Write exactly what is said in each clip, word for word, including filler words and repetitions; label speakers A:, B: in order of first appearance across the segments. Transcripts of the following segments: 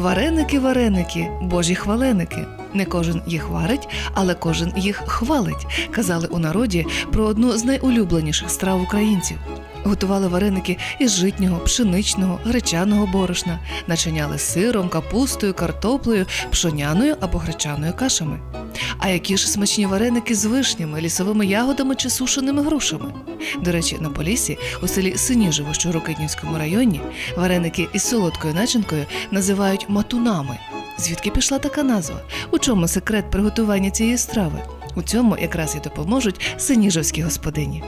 A: Вареники, вареники, божі хваленики. Не кожен їх варить, але кожен їх хвалить, казали у народі про одну з найулюбленіших страв українців. Готували вареники із житнього, пшеничного, гречаного борошна, начиняли сиром, капустою, картоплею, пшоняною або гречаною кашами. А які ж смачні вареники з вишнями, лісовими ягодами чи сушеними грушами. До речі, на Поліссі, у селі Синіжево, що у Рокитнівському районі, вареники із солодкою начинкою називають матунами. Звідки пішла така назва? У чому секрет приготування цієї страви? У цьому якраз і допоможуть синіжевські господині.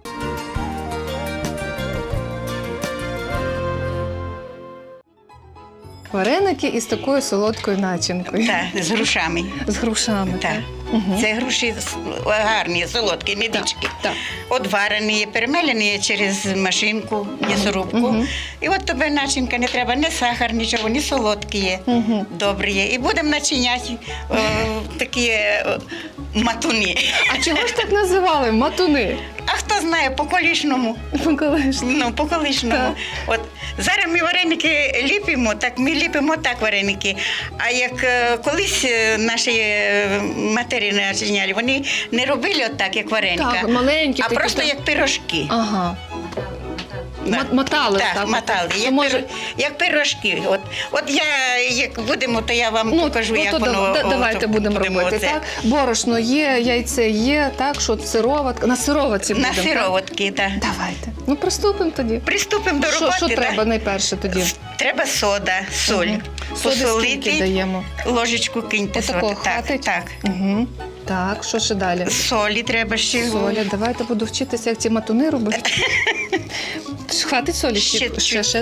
A: Вареники із такою солодкою начинкою.
B: Так, з грушами.
A: З грушами.
B: Так.
A: Угу.
B: Це груші гарні, солодкі, медички.
A: Так.
B: От варені, перемелені через машинку, м'ясорубку.
A: Угу.
B: І от тобі начинка не треба, ні сахар, нічого, ні солодкі є,
A: Угу.
B: добрі є. І будемо начиняти о, такі о, матуни.
A: А чого ж так називали? Матуни?
B: А хто знає, по колишньому.
A: Колись.
B: Ну, по колишньому.
A: Так.
B: От зараз ми вареники ліпимо, так ми ліпимо так вареники. А як е, колись е, наші е, матері начиняли, вони не робили отак, як вареника,
A: Так, маленькі.
B: а
A: такі,
B: просто
A: так.
B: як пирожки.
A: Ага.
B: Да.
A: Ма- Мотали.
B: Так,
A: так,
B: мотали,
A: То
B: як,
A: може...
B: пир- як пирожки. От, от я, як будемо, то я вам
A: Ну,
B: покажу,
A: ну,
B: як
A: то
B: воно.
A: да-
B: о,
A: давайте
B: то
A: будемо робити,
B: оце.
A: так? Борошно є, яйце є, так, що сироватка. На сироватці
B: На
A: будемо.
B: сироватки, так.
A: так? Давайте. Ну, приступимо тоді.
B: Приступимо до
A: Що,
B: роботи.
A: що
B: да?
A: треба найперше тоді?
B: Треба сода, соль.
A: Мгм. Соди скільки
B: Посолити,
A: даємо?
B: ложечку киньте
A: Отакого
B: соди. Так,
A: хватить?
B: так.
A: Угу. Так, що ще далі?
B: Солі треба ще.
A: Соля, давайте буду вчитися, як ці матуни робити. Хватить солі?
B: Ще
A: ще, ще,
B: чуть.
A: ще.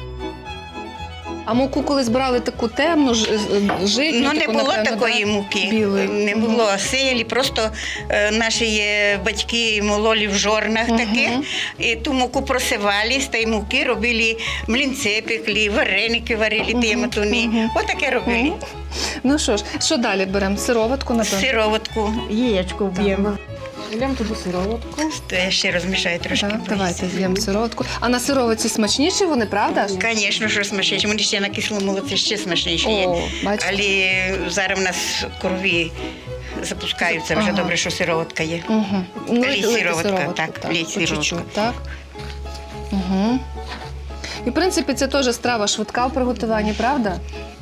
A: А муку колись брали таку темну, ж- житню,
B: Ну, не
A: таку,
B: було
A: напевно,
B: такої
A: да?
B: муки,
A: Білої.
B: не
A: Мгм.
B: було силі, просто е, наші е, батьки мололи в жорнах
A: Мгм.
B: таких, і ту муку просивали, з тієї муки робили млинці пекли, вареники варили, ті
A: Мгм.
B: матуни.
A: Мгм.
B: Отаке робили.
A: Мгм. Ну що ж, що далі беремо? Сироватку, напевно?
B: Сироватку.
C: Яєчко вб'ємо. Вб'ємо туди сироватку.
B: То я ще розмішаю трошки.
A: Так,
B: боюся.
A: давайте з'їмо сироватку. А на сироватці смачніші вони, правда ж?
B: Звісно, що смачніше. Вони ще на кислому молоці ще смачніші є.
A: О, бачите.
B: Але зараз в нас крові запускаються, вже
A: Ага.
B: добре, що сироватка є.
A: Угу. Ну,
B: Лій сироватка, так, лій
A: по
B: сироватка.
A: чуть-чуть, так. Угу. І, в принципі, це теж страва швидка в приготуванні, правда?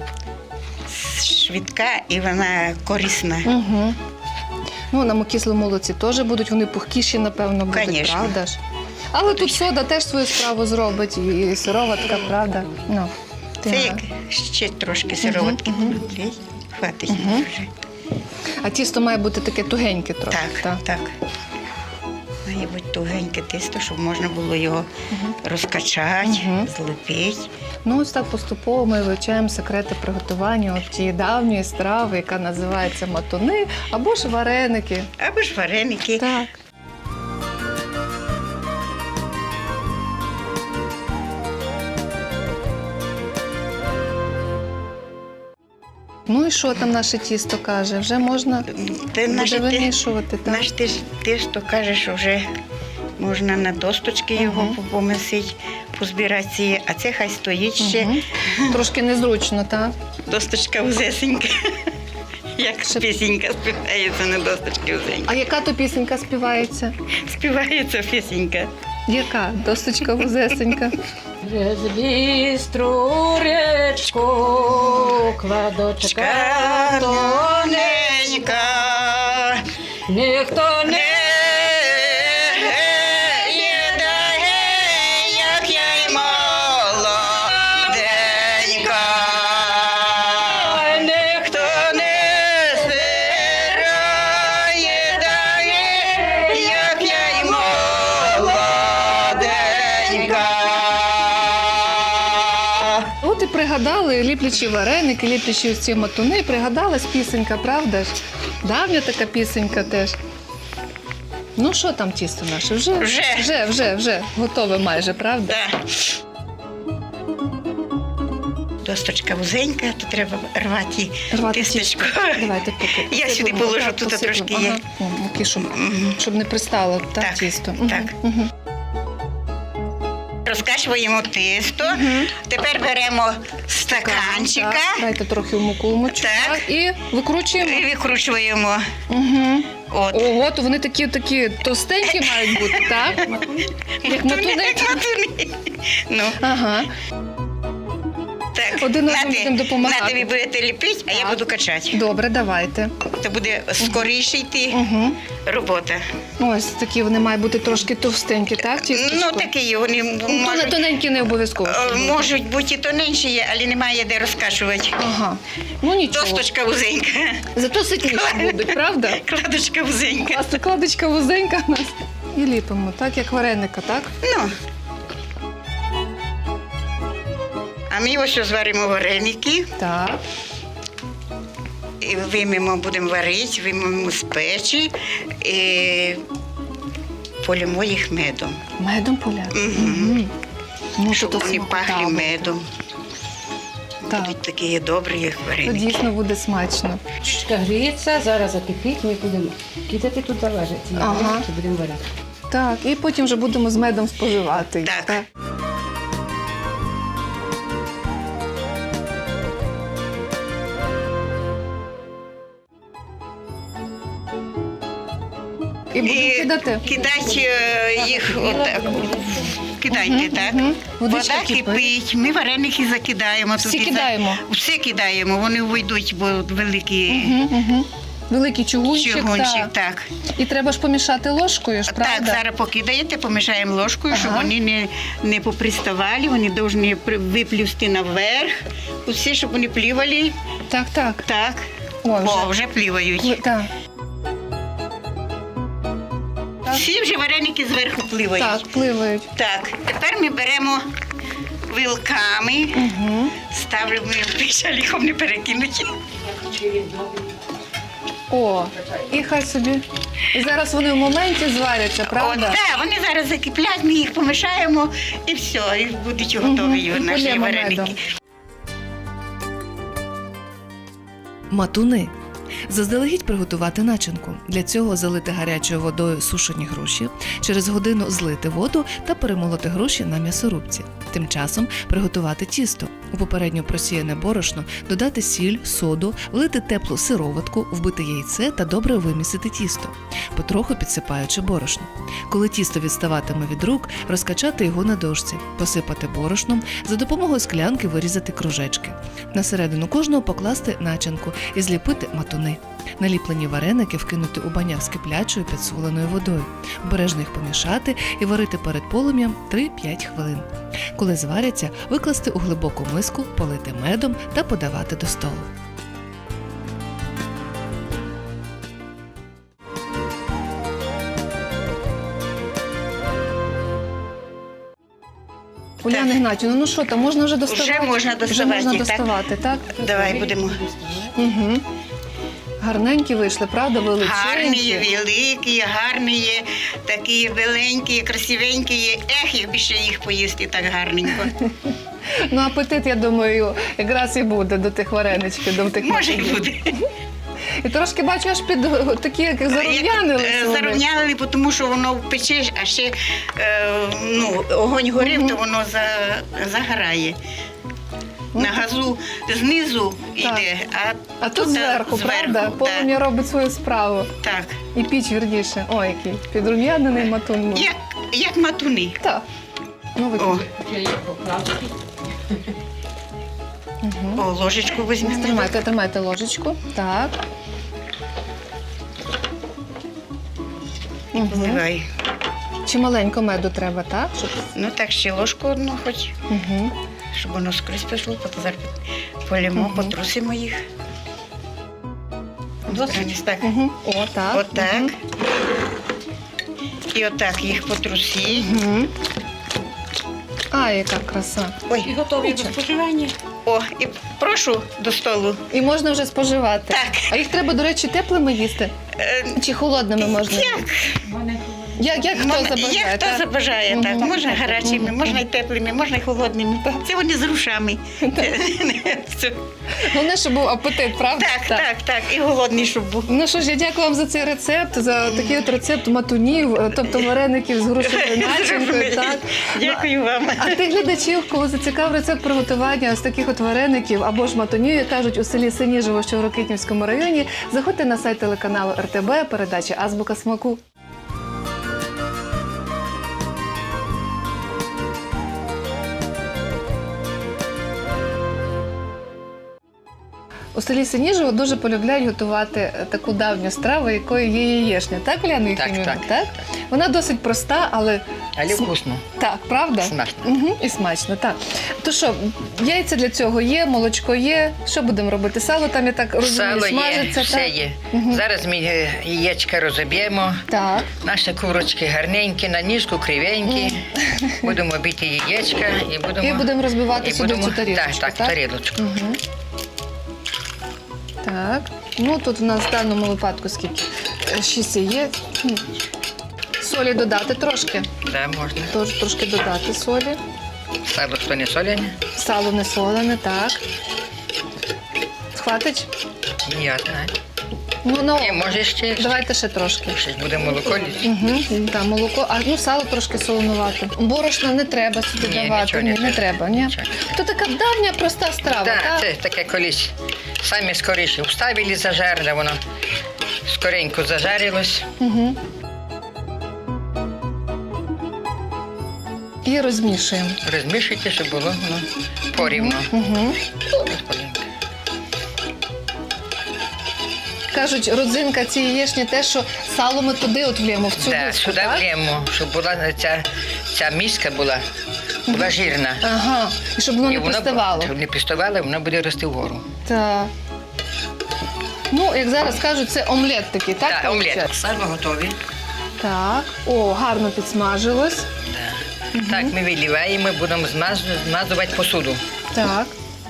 B: Швидка і вона корисна.
A: Угу. Ну, на кислому молоці теж будуть, вони пухкіші, напевно, будуть,
B: Конечно.
A: правда ж? Але тут сода теж свою справу зробить, і сироватка, правда? Ну,
B: Це
A: так.
B: як ще трошки сироватки.
A: Мгм,
B: Лій, хватить
A: Мгм.
B: вже.
A: А тісто має бути таке тугеньке трохи.
B: Так, так. Має бути тугеньке тісто, щоб можна було його розкачати,
A: Мгм.
B: злепити.
A: Ну, ось так поступово ми вивчаємо секрети приготування от тієї давньої страви, яка називається матуни або ж вареники.
B: Або ж вареники.
A: Так. Ну і що там наше тісто каже? Вже можна
B: Ти
A: буде
B: наше, ти,
A: вимішувати, так?
B: наш ти, ж- ти ж то кажеш, що вже можна на досточки його
A: Мгм.
B: помісити, позбирати, а це хай стоїть ще.
A: Мгм. Трошки незручно, так?
B: Досточка вузесенька. Як
A: Ще-
B: пісенька співається на досточки вузенька.
A: А яка то пісенька співається?
B: Співається пісенька.
A: Яка? Досточка вузесенька.
C: Через бістру речку кладочка
B: Тоненька,
C: ніхто не
B: не дає, як я й молоденька.
C: ніхто
B: Хто не збирає, дає, як я й молоденька.
A: От і пригадали, ліплячі вареники, ліплячі ось ці матуни, пригадалась пісенька, правда ж? Давня така пісенька теж. Ну що там тісто наше? Вже,
B: Вже.
A: вже, вже, вже готове майже, правда?
B: Да. Досточка вузенька, то треба рвати
A: Рвати
B: тістечко.
A: тісто. Давайте поки.
B: Я
A: посиплемо.
B: сюди положу,
A: Так,
B: тут
A: посиплемо.
B: трошки є.
A: Ага. О, муки, щоб,
B: Мгм.
A: щоб не пристало так,
B: Так,
A: тісто.
B: так.
A: Угу.
B: Розкачуємо замішуємо тісто. Тепер беремо стаканчика
C: Так, дайте трохи в муку вмочити.
B: Так.
C: Так, і викручуємо.
B: і викручуємо.
C: Угу.
B: От.
C: Ого, то вони такі такі товстенькі мають бути, так? Як матуни.
B: Як матуни. Ну,
C: Ага.
B: так.
C: Один одному
B: Нате-
C: будемо допомагати.
B: нате ви будете ліпити, а я буду качати.
C: Добре, давайте.
B: Це буде скоріше йти
C: Угу.
B: робота.
C: Ось такі вони мають бути трошки товстенькі, так? тістечко?
B: Ну, такі вони
C: Ну, то не
B: можуть,
C: тоненькі не обов'язково.
B: е,
C: щоб бути.
B: можуть бути і тоненші, але немає де розкачувати.
C: Ага. Ну нічого.
B: Досточка вузенька.
C: Зато ситніші будуть, правда?
B: Кладочка вузенька.
C: А закладочка вузенька у нас. І ліпимо, так, як вареника, так?
B: Ну. А ми ось зваримо вареники,
C: Так.
B: і виймемо, будемо варити, виймемо з печі і полємо їх медом.
C: Медом поляти.
B: Мгм.
C: Ну,
B: Щоб
C: то
B: вони
C: смакота
B: пахли
C: буде.
B: медом.
C: Так.
B: Будуть такі добрі, як
C: То
B: вареники.
C: дійсно буде смачно.
D: Чучка гріється, зараз закипить, ми будемо кидати тут заважити.
C: Ага.
D: Чи будемо варити.
C: Так, і потім вже будемо з медом споживати. їх,
B: Так.
C: І будемо
B: І
C: кидати.
B: кидати е, їх отак. Кидайте, так.
C: Мгм. Водичка
B: Вода
C: кипить.
B: кипить, ми вареники закидаємо.
C: Всі
B: туди.
C: кидаємо?
B: Все кидаємо, вони вийдуть, бо великі
C: Угу, угу. Великий чугунчик,
B: чугунчик.
C: так.
B: Так.
C: І треба ж помішати ложкою, ж, правда?
B: Так, зараз покидаєте, помішаємо ложкою, щоб
C: Ага.
B: вони не, не поприставали, вони повинні при- виплюсти наверх. Усі, щоб вони плівали.
C: Так, так.
B: Так.
C: О,
B: О,
C: вже.
B: вже плівають.
C: Ви- Так. Так.
B: Всі вже вареники зверху пливають.
C: Так, пливають.
B: Так, тепер ми беремо вилками,
C: Угу.
B: ставимо в піч, а ліхом не перекинуть.
C: О, і хай собі. І зараз вони в моменті зваряться,
B: От,
C: правда?
B: да, вони зараз закиплять, ми їх помішаємо і все, і будуть готові
C: Мгм, і
B: наші
C: полємо
B: вареники.
C: медом.
A: Матуни. Заздалегідь приготувати начинку. Для цього залити гарячою водою сушені груші, через годину злити воду та перемолоти груші на м'ясорубці. Тим часом приготувати тісто. У попередньо просіяне борошно додати сіль, соду, влити теплу сироватку, вбити яйце та добре вимісити тісто, потроху підсипаючи борошно. Коли тісто відставатиме від рук, розкачати його на дошці, посипати борошном, за допомогою склянки вирізати кружечки. На середину кожного покласти начинку і зліпити матуни. Наліплені вареники вкинути у баняк з киплячою підсоленою водою, обережно їх помішати і варити перед полум'ям три-п'ять хвилин. Коли зваряться, викласти у глибоку миску, полити медом та подавати до столу.
C: Уляна Ігнатівна, ну що там, можна вже доставати?
B: Вже можна
C: Вже
B: доставати,
C: можна
B: так.
C: доставати, так?
B: Давай будемо.
C: Угу. Гарненькі вийшли, правда, величенькі?
B: Гарні є, великі, є, гарні є, такі є, біленькі, є, красивенькі є. Ех, якби ще їх поїсти так гарненько.
C: Ну, апетит, я думаю, якраз і буде до тих вареничків, до тих
B: Може і
C: напоїв.
B: буде.
C: І трошки бачу, аж під такі, як зарум'янили.
B: Як, е, Зарівняли, тому що воно печеш, а ще е, ну, огонь горів, то воно за, загорає.
C: Ну,
B: На газу знизу йде, а,
C: А тут зверху, правда?
B: так.
C: Полум'я робить свою справу.
B: Так.
C: І піч вірніше. Ой, який підрум'янений матун.
B: Як, як матуни.
C: Так. Ну, ви
B: О,
C: Угу.
B: о, ложечку візьмемо.
C: Тримайте, тримайте ложечку. Так. Угу.
B: Зливай.
C: Чи маленько меду треба, так? Щоб...
B: Ну так, ще ложку одну хоч,
C: Угу.
B: щоб воно скрізь пішло, потім зараз полємо,
C: Мгм.
B: потрусимо їх. Ось так.
C: Угу. О, так.
B: Отак. І отак їх потрусі.
C: Угу. А, яка краса.
B: Ой,
D: І готові до споживання.
B: о, і прошу до столу.
C: І можна вже споживати.
B: Так.
C: А їх треба, до речі, теплими їсти?
B: Е,
C: Чи холодними можна?
B: Як?
C: Як, як хто
B: Мон-
C: забажає?
B: Як хто
C: так?
B: забажає, так.
C: Мгм.
B: Можна гарячими, можна і теплими, можна і холодними. Це вони з грушами. Все.
C: Головне, щоб був апетит, правда?
B: Так, так, так. І голодний, щоб був.
C: Ну що ж, я дякую вам за цей рецепт, за такий от рецепт матунів, е, тобто вареників з грушевою начинкою. Так.
B: Дякую вам.
C: А тих глядачів, кого зацікав рецепт приготування ось таких от вареників або ж матунів, як кажуть, у селі Синіжево, що в Рокитнівському районі, заходьте на сайт телеканалу ер те бе, передачі «Азбука смаку». У селі Синіжево дуже полюбляють готувати е, таку давню страву, якою є яєшня. Так, Уляна
E: Так,
C: Єфимівна?
E: так,
C: Вона досить проста, але
E: Але
C: См-
E: вкусно,
C: так, правда?
E: смачно.
C: Угу, і смачно, так. То що, яйця для цього є, молочко є. Що будемо робити? Сало там, я так розумію,
E: Сало є,
C: смажиться.
E: все
C: так?
E: є.
C: Мгм.
E: Зараз ми е, яєчка розоб'ємо.
C: Так.
E: Наші курочки гарненькі, на ніжку кривенькі. Будемо бити яєчка і будемо...
C: І будемо розбивати
E: і
C: сюди
E: будемо-
C: цю тарілочку,
E: Так, так, тарілочку.
C: Угу. Так. Ну, тут у нас в даному випадку скільки? Е, Шість яєць. Хм. Солі додати трошки.
E: Да, можна.
C: Тож трошки додати солі.
E: Сало що не соляне?
C: Сало не солене, так. Хватить?
E: Я знаю.
C: Ну, ну,
E: І може ще,
C: давайте ще трошки.
E: ще буде молоко. лізти.
C: Угу, так, молоко, а ну сало трошки солонувати. Борошна не треба сюди
E: Ні,
C: давати.
E: нічого
C: Ні,
E: не
C: не
E: треба.
C: треба. Ні.
E: Нічого.
C: То така давня проста страва,
E: Так,
C: так?
E: це таке колись. Самі скоріше вставили зажар, да воно скоренько зажарилось.
C: Угу. І розмішуємо.
E: Розмішуйте, щоб було воно порівно.
C: Угу.
E: Господинка.
C: Кажуть, родзинка цієї яєчні те, що сало ми туди от влємо, в цю
E: Да,
C: миску,
E: сюди
C: так?
E: влємо, щоб була ця, ця миска була, була жирна.
C: Ага, і щоб воно
E: І
C: не
E: воно-
C: приставало.
E: Щоб не приставало, воно буде рости вгору.
C: Так. Ну, як зараз кажуть, це омлет такий, так?
E: Так, омлет.
C: виходить?
E: Сало готові.
C: Так. О, гарно підсмажилось.
E: Да. Так, ми виливаємо, будемо змаз- змазувати посуду.
C: Так.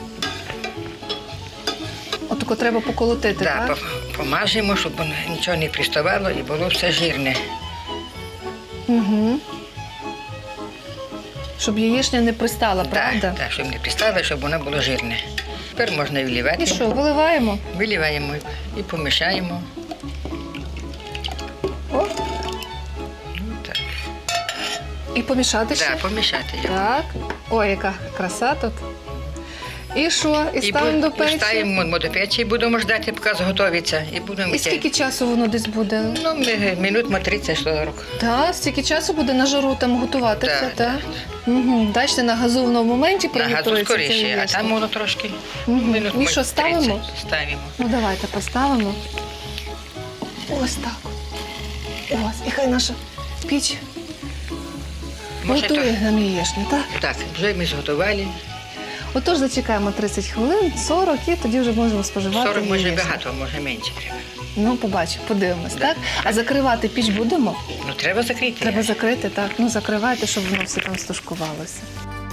C: Отако треба поколотити,
E: Да,
C: так?
E: по- помажемо, щоб воно нічого не приставало і було все жирне.
C: Угу. Щоб яєчня не пристала,
E: Так,
C: правда?
E: так, щоб не пристало, щоб воно було жирне. Тепер можна виливати.
C: І що, виливаємо?
E: Виливаємо і помішаємо.
C: О,
E: Ну, так.
C: і помішати ще?
E: Да, помішати його.
C: Так. Ой, яка краса тут. І що? І
E: І,
C: ставимо
E: бу-
C: до
E: і
C: печі?
E: ставимо до печі, і будемо ждати, поки зготовиться. І будемо
C: І скільки часу воно десь буде?
E: Ну, ми- минут мо тридцять сорок.
C: Так, стільки часу буде на жару там готуватися,
E: Так,
C: так? Угу. Бачите, на газу воно в моменті
E: На газу
C: приготується. ця
E: скоріше, а
C: яєчня.
E: там воно трошки.
C: Мгм.
E: Минут
C: І
E: мо
C: що, ставимо?
E: тридцять Ставимо.
C: Ну, давайте поставимо. Ось так. Ось, і хай наша піч
E: Може,
C: готує
E: так?
C: нам яєчню, так?
E: Так, вже ми зготували.
C: Отож, зачекаємо тридцять хвилин, сорок, і тоді вже можемо споживати
E: сорок може
C: яєчню.
E: багато, може менше треба.
C: Ну, побачимо, подивимось,
E: Да.
C: так? А закривати піч будемо?
E: Ну, треба закрити.
C: Треба закрити, так? Ну, закривайте, щоб воно все там стушкувалося.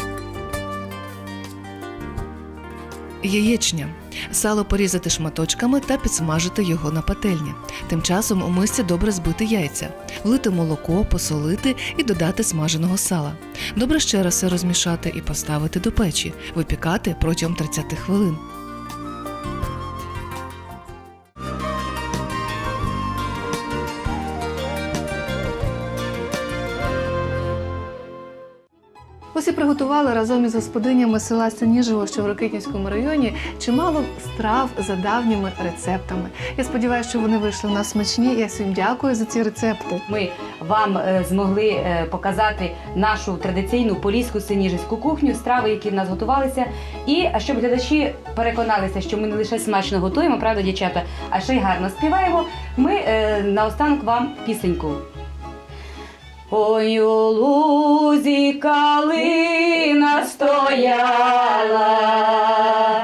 A: Яєчня. Сало порізати шматочками та підсмажити його на пательні. Тим часом у мисці добре збити яйця, влити молоко, посолити і додати смаженого сала. Добре ще раз все розмішати і поставити до печі, випікати протягом тридцять хвилин.
C: Ось і приготували разом із господинями села Синіжево, що в Рокитнівському районі, чимало страв за давніми рецептами. Я сподіваюся, що вони вийшли у нас смачні. Я всім дякую за ці рецепти.
F: Ми вам е, змогли е, показати нашу традиційну поліську синіжівську кухню, страви, які в нас готувалися. І а щоб глядачі переконалися, що ми не лише смачно готуємо, правда, дівчата, а ще й гарно співаємо, ми е, наостанок вам пісеньку. Ой, у лузі калина стояла,